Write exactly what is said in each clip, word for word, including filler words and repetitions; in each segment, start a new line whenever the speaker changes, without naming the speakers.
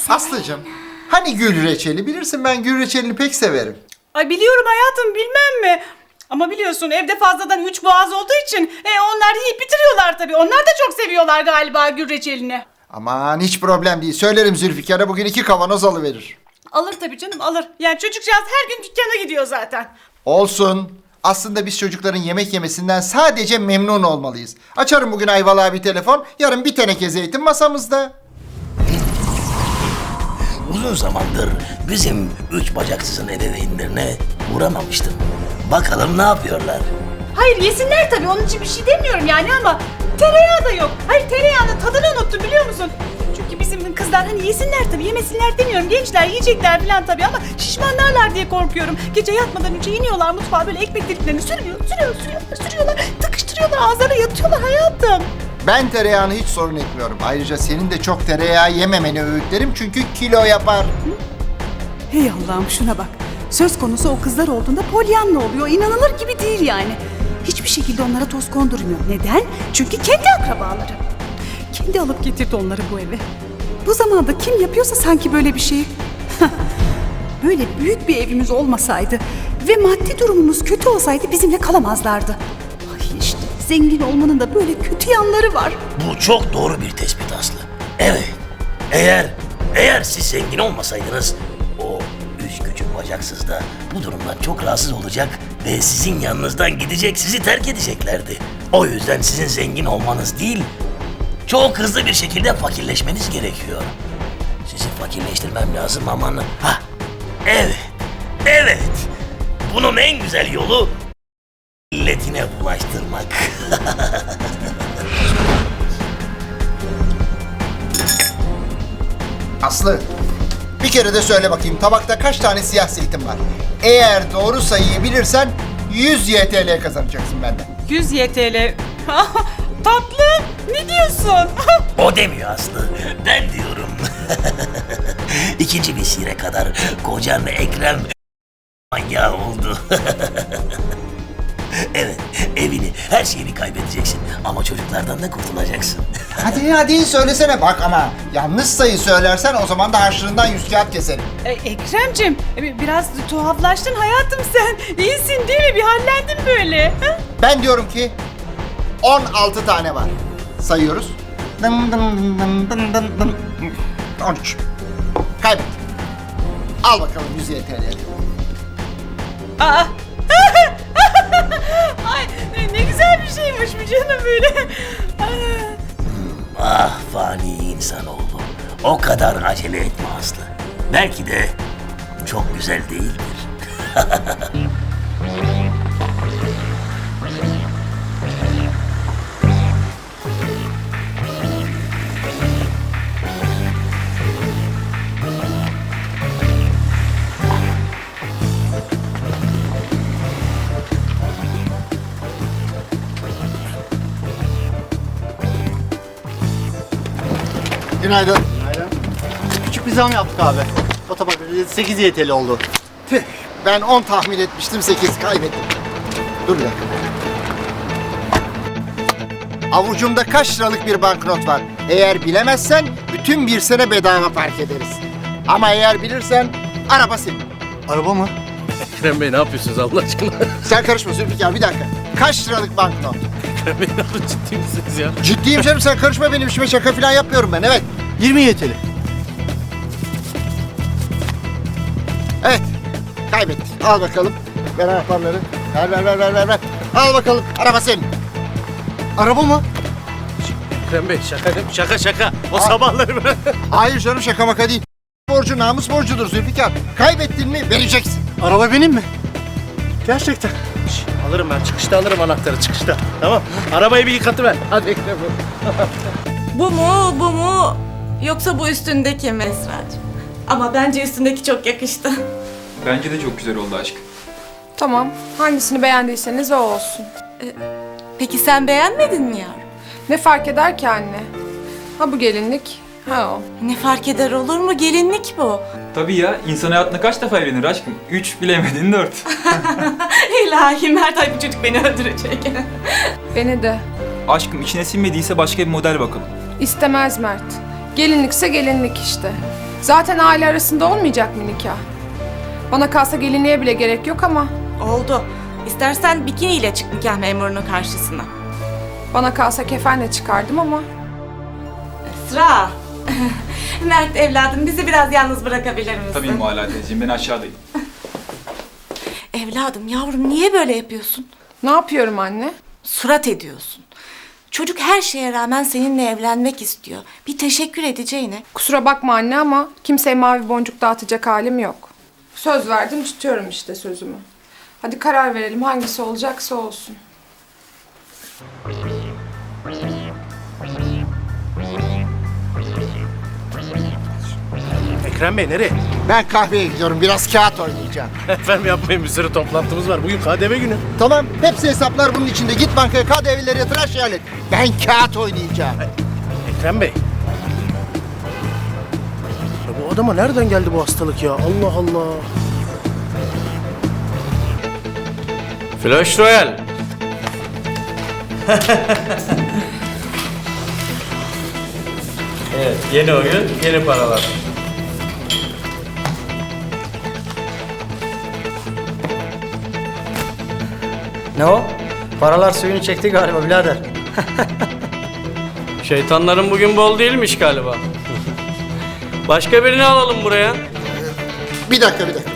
Aslıcığım, hani gül reçeli? Bilirsin ben gül reçelini pek severim.
Ay biliyorum hayatım, bilmem mi? Ama biliyorsun evde fazladan üç boğaz olduğu için e, onlar yiyip bitiriyorlar tabii. Onlar da çok seviyorlar galiba gül reçelini.
Aman hiç problem değil. Söylerim Zülfikar'a bugün iki kavanoz alıverir.
Alır tabii canım, alır. Yani çocukcağız her gün dükkana gidiyor zaten.
Olsun. Aslında biz çocukların yemek yemesinden sadece memnun olmalıyız. Açarım bugün Ayvalık'a bir telefon, yarın bir teneke zeytin masamızda.
Uzun zamandır bizim üç bacaksızın ebeveynlerine uğramamıştım. Bakalım ne yapıyorlar?
Hayır yesinler tabii, onun için bir şey demiyorum yani ama tereyağı da yok. Hayır, tereyağının tadını unuttum biliyor musun? Çünkü bizim kızlar hani yesinler tabii, yemesinler demiyorum. Gençler yiyecekler falan tabii ama şişmanlarlar diye korkuyorum. Gece yatmadan önce iniyorlar mutfağa, böyle ekmek deliklerini sürüyor, sürüyor, sürüyorlar, sürüyorlar. Tıkıştırıyorlar, ağızlarına yatıyorlar hayatım.
Ben tereyağını hiç sorun etmiyorum. Ayrıca senin de çok tereyağı yememeni öğütlerim çünkü kilo yapar.
Hey Allah'ım şuna bak. Söz konusu o kızlar olduğunda polyanla oluyor. İnanılır gibi değil yani. Hiçbir şekilde onlara toz kondurmuyor. Neden? Çünkü kendi akrabaları. Kendi alıp getirdi onları bu eve. Bu zamanda kim yapıyorsa sanki böyle bir şey. Böyle büyük bir evimiz olmasaydı ve maddi durumumuz kötü olsaydı bizimle kalamazlardı. Ay işte zengin olmanın da böyle kötü yanları var.
Bu çok doğru bir tespit Aslı. Evet, eğer, eğer siz zengin olmasaydınız o üç küçük bacaksız da bu durumdan çok rahatsız olacak ve sizin yanınızdan gidecek, sizi terk edeceklerdi. O yüzden sizin zengin olmanız değil, çok hızlı bir şekilde fakirleşmeniz gerekiyor. Sizi fakirleştirmem lazım aman. Ha, evet, evet. Bunun en güzel yolu milletine bulaştırmak.
Aslı, bir kere de söyle bakayım tabakta kaç tane siyah zeytin var? Eğer doğru sayıyı bilirsen yüz Y T L kazanacaksın benden.
yüz Y T L. Tatlım, ne diyorsun?
O demiyor Aslı, ben diyorum. İkinci vesile kadar kocan Ekrem manyağı oldu. Evet, evini, her şeyini kaybedeceksin ama çocuklardan da kurtulacaksın.
Hadi hadi söylesene bak ama yanlış sayı söylersen o zaman da harçlığından yüz kağıt keserim.
E, Ekrem'cim, e, biraz tuhaflaştın hayatım sen. İyisin değil mi? Bir hallendin böyle. Ha?
Ben diyorum ki on altı tane var. Sayıyoruz. Dın dın dın dın dın dın. on üç. Kaybettim. Al bakalım yüz Y T L.
Aa. Ay ne güzel bir şeymiş bu canım böyle.
Ah fani insanoğlu, o kadar acele etme Aslı. Belki de çok güzel değildir.
Günaydın.
Küçük bir zam yaptık abi. O tabak sekiz Y T L oldu.
Tüh, ben on tahmin etmiştim, sekiz kaybettim. Dur bir dakika. Avucumda kaç liralık bir banknot var. Eğer bilemezsen bütün bir sene bedava park ederiz. Ama eğer bilirsen araba senin.
Araba mı?
Ekrem Bey ne yapıyorsunuz Allah aşkına?
Sen karışma Zülfikar, bir dakika. Kaç liralık banknot?
Ekrem Bey ne yapıyorsunuz? Ciddi misiniz ya?
Ciddiyim canım, sen karışma benim işime, şaka falan yapmıyorum ben, evet.
yirmi Y T L.
Evet, kaybettik. Al bakalım. Ver anahtarları. Ver ver ver ver ver. ver. Al bakalım, araba senin.
Araba mı?
Ekrem Bey şaka değil mi? Şaka şaka. O sabahları ben...
Hayır canım, şaka maka değil. Borcu namus borcudur Zülfikar. Kaybettin mi vereceksin.
Araba benim mi? Gerçekten.
Şş, alırım ben. Çıkışta alırım anahtarı çıkışta. Tamam. Arabayı bir yıkatıver. Hadi Ekrem Bey.
Bu mu, bu mu? Yoksa bu üstündeki mi Esra'cığım? Ama bence üstündeki çok yakıştı.
Bence de çok güzel oldu aşkım.
Tamam. Hangisini beğendiyseniz o olsun.
Peki sen beğenmedin mi yavrum?
Ne fark eder ki anne? Ha bu gelinlik, ha o.
Ne fark eder olur mu? Gelinlik bu.
Tabii ya, insan hayatında kaç defa evlenir aşkım? Üç, bilemedin dört.
İlahi Mert, ay bu çocuk beni öldürecek.
Beni de.
Aşkım içine sinmediyse başka bir model bakalım.
İstemez Mert. Gelinlikse gelinlik işte. Zaten aile arasında olmayacak mı nikah? Bana kalsa gelinliğe bile gerek yok ama
Oldu. İstersen bikiniyle çık nikah memurunun karşısına.
bana kalsa kefenle çıkardım ama
Esra. Mert evladım bizi biraz yalnız bırakabilir misin?
Tabii Mualla teyzeciğim, ben aşağıdayım.
Evladım yavrum niye böyle yapıyorsun?
ne yapıyorum anne?
Surat ediyorsun. Çocuk her şeye rağmen seninle evlenmek istiyor. Bir teşekkür edeceğine.
Kusura bakma anne ama kimseye mavi boncuk dağıtacak halim yok. Söz verdim tutuyorum işte sözümü. Hadi karar verelim hangisi olacaksa olsun.
Ekrem Bey nereye?
Ben kahveye gidiyorum. Biraz kağıt oynayacağım.
Efendim yapmayın, bir sürü toplantımız var. Bugün K D V günü.
Tamam. Hepsi hesaplar bunun içinde. Git bankaya K D V'leri yatır, her şeyi hallet. Ben kağıt oynayacağım.
Ekrem Bey. Ya bu adama nereden geldi bu hastalık ya? Allah Allah.
Flash Royale. Evet, yeni oyun, yeni paralar.
Ne o? Paralar suyunu çekti galiba birader.
Şeytanların bugün bol değilmiş galiba. Başka birini alalım buraya.
Bir dakika, bir dakika.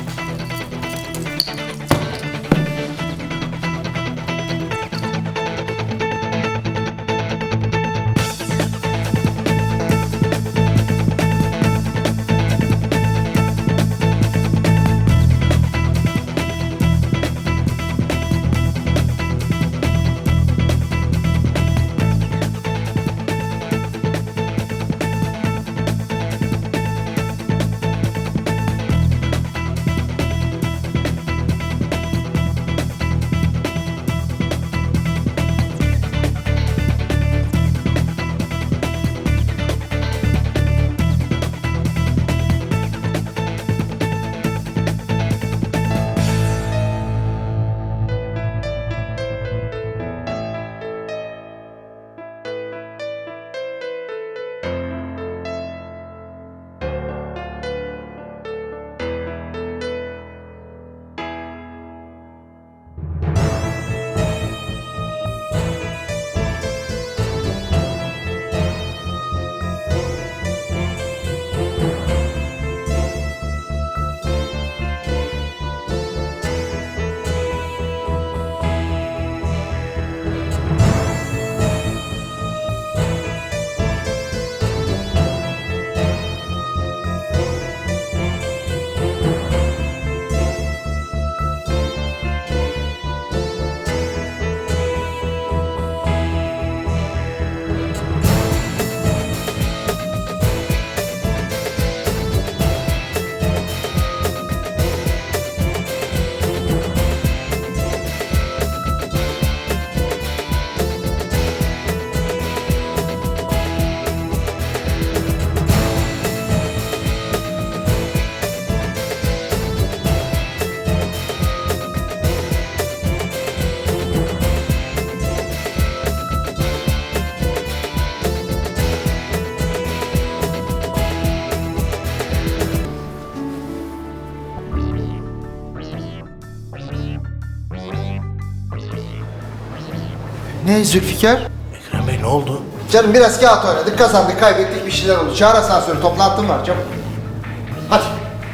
Ne Zülfikar?
Ekrem Bey ne oldu?
Canım biraz kağıt oynadık, kazandık, kaybettik, bir şeyler oldu. Çağır asansörü, toplantım var çabuk. Hadi.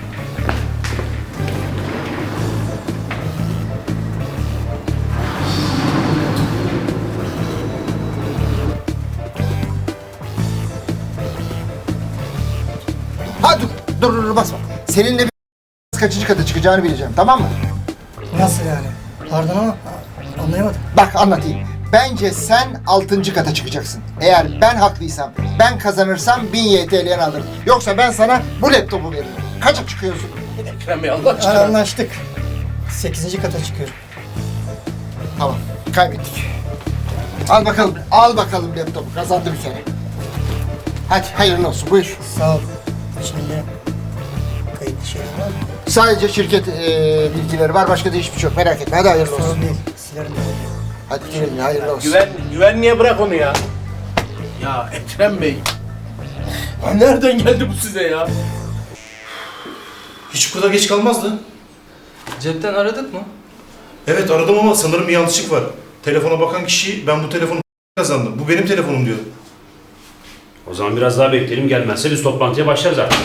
Hadi dur, dur dur basma. Seninle bir kaçıncı kata çıkacağını bileceğim, tamam mı?
Nasıl yani? Pardon ama anlayamadım.
Bak anlatayım. Bence sen altıncı kata çıkacaksın. Eğer ben haklıysam, ben kazanırsam bin Y T L'yen alırım. Yoksa ben sana bu laptopu veririm. Kaça çıkıyorsun?
Ekrem Bey Allah aşkına.
Anlaştık. Sekizinci kata çıkıyorum.
Tamam, kaybettik. Al bakalım, al bakalım laptopu. Kazandı bir kere. Hadi hayırlı olsun, buyur.
Sağ ol. İçinde kayıtlı şey var mı?
Sadece şirket eee, bilgileri var, başka da hiçbir şey yok. Merak etme, hadi hayırlı olsun.
Sorun değil. Silerim de.
Hadi güle güle, hayırlı olsun.
Güven, güvenliğe bırak onu ya. Ya Ekrem Bey. Ha, nereden geldi bu size ya?
Hiç bu kadar geç kalmazdı.
Cepten aradık mı?
Evet aradım ama sanırım bir yanlışlık var. Telefona bakan kişi ben bu telefonu kazandım. Bu benim telefonum diyor.
O zaman biraz daha bekleyelim, gelmezse biz toplantıya başlarız artık.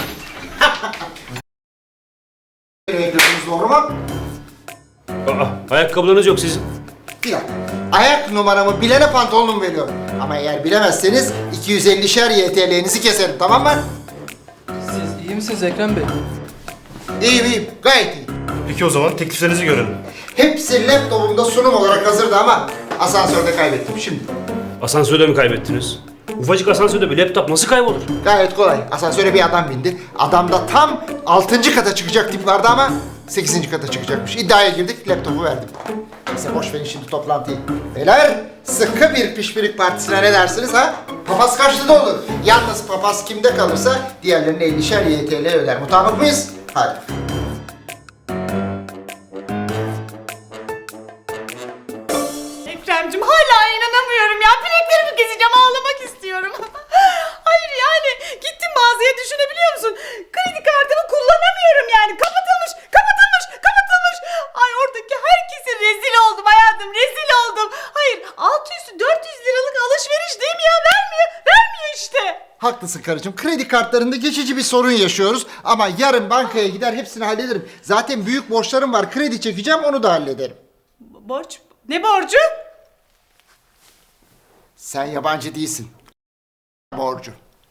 Bekliyorsunuz, doğru mu?
Aa, ayakkabılarınız yok sizin.
Bir dakika. Ayak numaramı bilene pantolonumu veriyorum. Ama eğer bilemezseniz iki yüz ellişer Y T L'nizi keserim, tamam mı?
Siz iyi misiniz Ekrem Bey?
İyiyim iyiyim, gayet iyiyim.
Peki o zaman tekliflerinizi görelim.
Hepsi laptopumda sunum olarak hazırdı ama asansörde kaybettim şimdi.
Asansörde mi kaybettiniz? Ufacık asansörde bir laptop nasıl kaybolur?
Gayet kolay. Asansöre bir adam bindi. Adam da tam altıncı kata çıkacak tip vardı ama sekizinci kata çıkacakmış. İddiaya girdik, laptopu verdim. Neyse boş verin şimdi toplantıyı. Beyler, sıkı bir pişpirik partisine ne dersiniz ha? Papaz kaçtı da olur. Yalnız papaz kimde kalırsa diğerlerine ellişer Y T L öder. Mutabık mıyız? Hadi.
Ekrem'cim hala inanamıyorum ya. Bileklerimi keseceğim, ağlamak istiyorum. Hayır yani gittim mağazaya, düşünebiliyor musun? Kredi kartımı kullanamıyorum yani. Kapatılmış, kapatılmış, kapatılmış. Ay oradaki herkese rezil oldum hayatım, rezil oldum. Hayır altı üstü dört yüz liralık alışveriş değil mi ya? Vermiyor, vermiyor işte.
Haklısın karıcığım. Kredi kartlarında geçici bir sorun yaşıyoruz. Ama yarın bankaya gider hepsini hallederim. Zaten büyük borçlarım var. Kredi çekeceğim, onu da hallederim.
Borç? Ne borcu?
Sen yabancı değilsin. Borcu.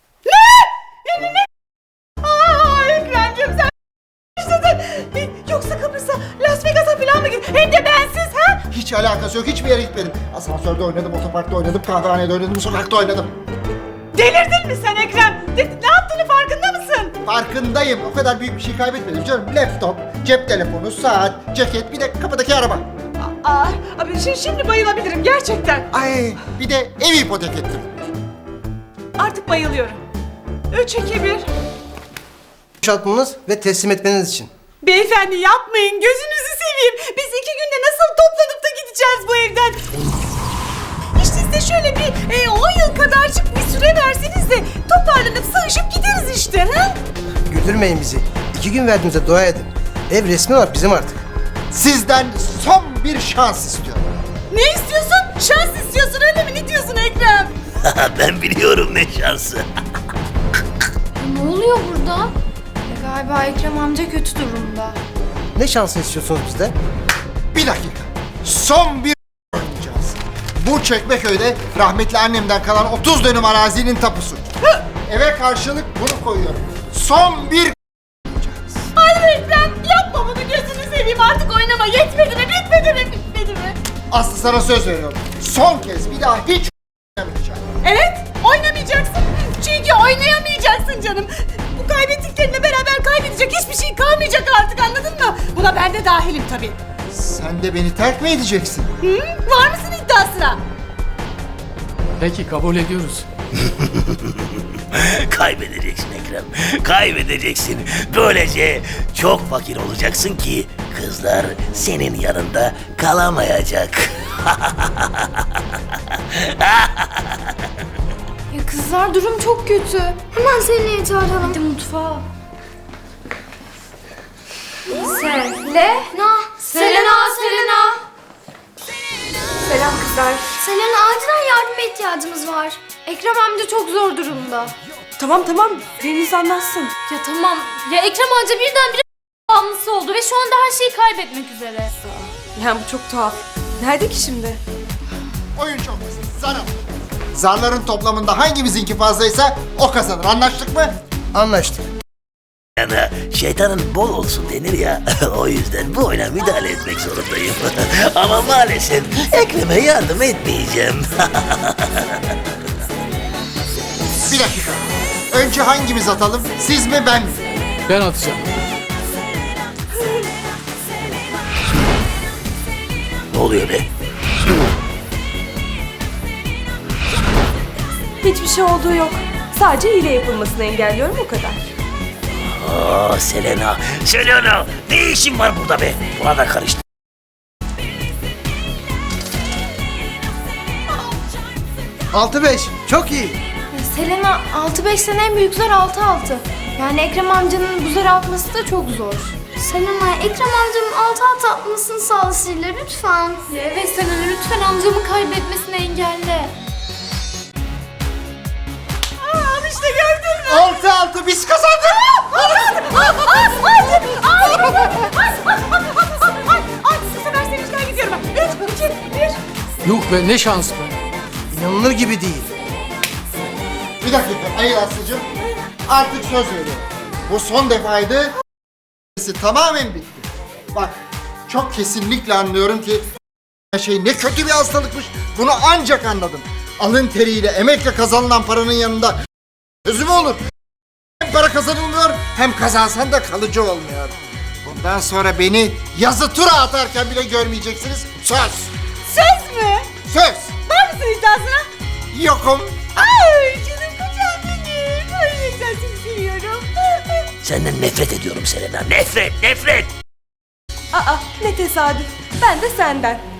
Aa Ekrem'cim sen işte de, yoksa Kıbrıs'a, Las Vegas'a falan mı gittin? Hem de bensiz ha?
Hiç alakası yok. Hiçbir yere gitmedim. Asansörde oynadım, otoparkta oynadım, kahvehanede oynadım, sokakta oynadım.
Delirdin mi sen Ekrem? De, ne yaptığını farkında mısın?
Farkındayım. O kadar büyük bir şey kaybetmedim canım. Laptop, cep telefonu, saat, ceket, bir de kapıdaki araba.
Aa, abi şimdi, şimdi bayılabilirim gerçekten.
Ay, bir de ev ipotek ettim.
Artık bayılıyorum. Üç, iki, bir.
Boşaltmanız ve teslim etmeniz için.
Beyefendi yapmayın, gözünüzü seveyim. Biz iki günde nasıl toplanıp da gideceğiz bu evden? İşte size şöyle bir e, on yıl kadarcık bir süre verseniz de toparlanıp sığışıp gideriz işte. Ha?
Güldürmeyin bizi. İki gün verdiğimize dua edin. Ev resmi olarak bizim artık.
Sizden son bir şans istiyorum.
Ne istiyorsun? Şans istiyorsun öyle mi? Ne diyorsun Ekrem?
Ben biliyorum ne şansı.
Ne oluyor burada? Ya galiba Ekrem amca kötü durumda.
Ne şansını istiyorsunuz bizden?
Bir dakika. Son bir oynayacağız. Bu Çekmeköy'de rahmetli annemden kalan otuz dönüm arazinin tapusu. Eve karşılık bunu koyuyorum. Son bir
Hayır Ekrem yapma bunu, gözünü seveyim artık oynama. Yetmedi mi? Bitmedi mi? Bitmedi mi?
Aslı sana söz veriyorum. Son kez bir daha hiç oynamayacağım.
Evet, oynamayacaksın. Çünkü oynayamayacaksın canım. Bu kaybettiklerinle beraber kaybedecek hiçbir şey kalmayacak artık, anladın mı? Buna ben de dahilim tabii.
Sen de beni terk mi edeceksin?
Hı? Var mısın iddiasına?
Peki kabul ediyoruz.
Kaybedeceksin Ekrem. Kaybedeceksin. Böylece çok fakir olacaksın ki kızlar senin yanında kalamayacak.
Ya kızlar durum çok kötü. Hemen Selena'yı çağıralım. Hadi mutfağa. Selena. Selena, Selena.
Selam kızlar.
Selena acilen yardıma ihtiyacımız var. Ekrem amca çok zor durumda.
Tamam tamam, Deniz anlatsın.
Ya tamam. Ya Ekrem amca birdenbire bağımlısı oldu ve şu anda her şeyi kaybetmek üzere.
Yani bu çok tuhaf. Nerede ki şimdi?
Oyun çok basit. Zar al. Zarların toplamında hangimizinki fazlaysa o kazanır. Anlaştık mı?
Anlaştık.
Yani şeytanın bol olsun denir ya. O yüzden bu oyuna müdahale etmek zorundayım. Ama maalesef Ekrem'e yardım etmeyeceğim.
Bir dakika. Önce hangimiz atalım? Siz mi ben mi?
Ben atacağım.
Ne oluyor be?
Hiçbir şey olduğu yok. Sadece hile yapılmasını engelliyorum, o kadar.
Aa Selena, Selena ne işin var burada be? Buna da karıştı.
Altı beş. Çok iyi.
Selena altı beş sene en büyük zar altı altı. Yani Ekrem amcanın bu zarı atması da çok zor. Selena, Ekrem amcamın altı altı atmasını sağla Sihir'le lütfen. Evet Selena, lütfen amcamı kaybetmesini engelle.
Aa, işte gördün mü?
Altı altı biz kazandık.
Bu sefer sevinçten gidiyorum ben. Üç, iki, bir.
Yok be ne şans be. İnanılır gibi değil.
Bir dakika Ayıl Aslı'cığım. Artık söz veriyorum. Bu son defaydı. Tamamen bitti. Bak çok kesinlikle anlıyorum ki şey ne kötü bir hastalıkmış. Bunu ancak anladım. Alın teriyle, emekle kazanılan paranın yanında sözü mü olur? Hem para kazanılmıyor hem kazansan da kalıcı olmuyor. Bundan sonra beni yazı tura atarken bile görmeyeceksiniz. Söz.
Söz mü?
Söz.
Var mısın iddiasına?
Yokum.
Ay canım kocam benim. Ay ne güzel seni seviyorum.
Senden nefret ediyorum Selena. Nefret, nefret.
Aa ne tesadüf. Ben de senden.